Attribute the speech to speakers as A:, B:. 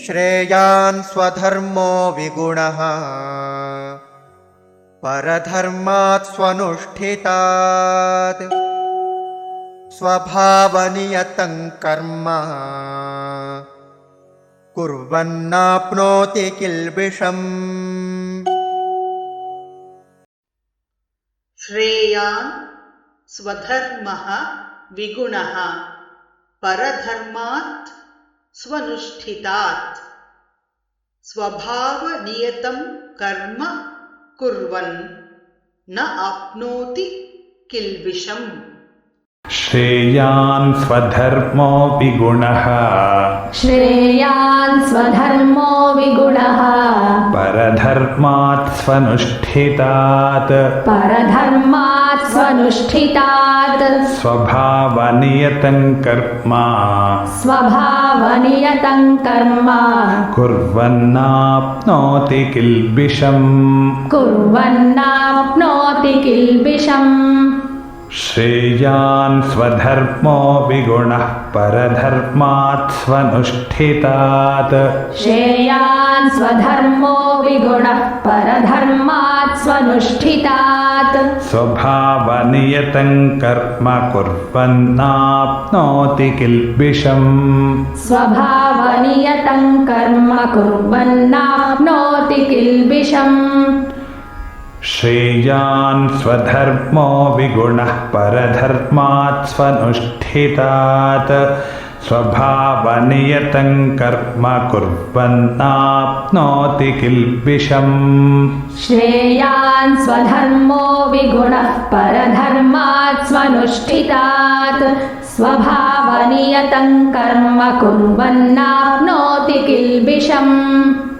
A: श्रेयान् स्वधर्मो विगुणः परधर्मात् स्वनुष्ठितात् स्वभावनियतं कर्म कुर्वन्नाप्नोति किल्बिषम्।
B: श्रेयान् स्वधर्मः विगुणः परधर्मात् स्वनुष्ठितात् स्वभावनियतं कर्म कुर्वन् न आप्नोति किल्बिषम्।
C: श्रेयान् स्वधर्मो विगुणः
D: श्रेयान् स्वधर्मो विगुणः
C: परधर्मात् स्वनुष्ठितात्
D: परधर्मात् स्वनुष्ठितात्
C: स्वभावनियतं कर्म
D: स्वभावनियतं कर्म
C: कुर्वन्नाप्नोति किल्बिषम्।
D: कुर्वन्नाप्नोति किल्बिषम्।
C: श्रेयान् स्वधर्मो विगुणः परधर्मात् स्वनुष्ठितात्
D: श्रेयान् स्वधर्मो विगुणः परधर्मात् स्वनुष्ठितात्
C: स्वभावनियतं कर्म कुर्वन्नाप्नोति किल्बिषम्।
D: स्वभावनियतं कर्म कुर्वन्नाप्नोति किल्बिषम्।
C: श्रेयान् स्वधर्मो विगुणः परधर्मात् स्वनुष्ठितात् स्वभावनियतं कर्म कुर्वन्नाप्नोति किल्बिषम्।
D: श्रेयान् स्वधर्मो विगुणः परधर्मात् स्वनुष्ठितात् स्वभावनियतं कर्म कुर्वन्नाप्नोति किल्बिषम्।